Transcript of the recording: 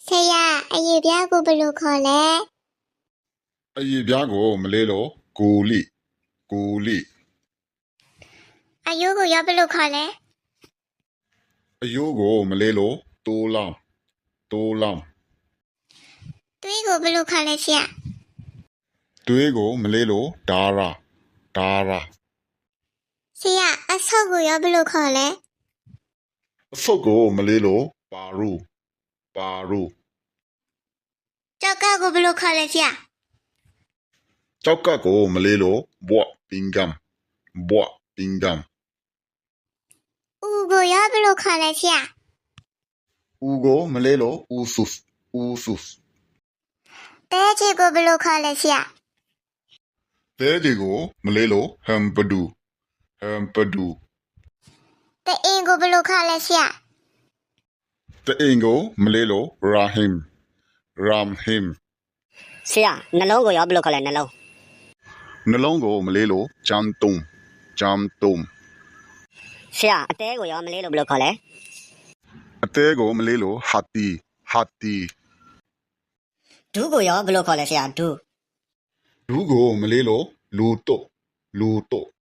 ဆရာအရေးပြားကိုဘယ်လိုခေါ်လဲအရေးပြားကိုမလေးလို့ကိုလိကိုလိအယိုးကိုရောဘယ်လိုခေါ်လဲအယိုးကိုမလေးလို့တိုးလောင်းတိုးလောင်းသွေးကိုဘယ်လိုခေါ်လဲဆရာသွေးကိုမလေးလို့ဒါရာဒါရာဆရာအဆုပ်ကိုရောဘယ်လိုခေါ်လဲအဆုပ်ကိုမလေးလို့ပါရူပါရူကြောက်ကကိုဘယ်လိုခေါ်လဲဆရာကြောက်ကပ်ကိုမလေးလို့ဘွတ်ပင်ကမ်ဘွတ်ပင်ကမ်ဦးကိုရောဘယ်လိုခေါ်လဲဆရာဦးကိုမလေးလို့ဦးဆုစ်ဦးဆုစ်တဲချေကိုဘယ်လိုခေါ်လဲဆရာတဲကြီးကိုမလေးလို့ဟမ်ပဒူဟမ်ပဒူတအင်ကိုဘယ်လိုခေါ်လဲဆရာတအင်ကိုမလေးလို့ရာဟင်ရမ်ဟင်ဆရာနှလုံးကိုရောဘယ်လိုခေါ်လဲနှလုံးနှလုံးကိုမလေးလို့ဂျမ်တုံဂျမ်တုံဆရာအသေးကိုရောမလေးလို့ဘယ်လိုခေါ်လဲအသေးကိုမလေးလို့ဟာတီဟာတီဒူးကိုရောဘယ်လိုခေါ်လဲဆရာဒူးဒူးကိုမလေးလို့လူတုတ်လူတုတ်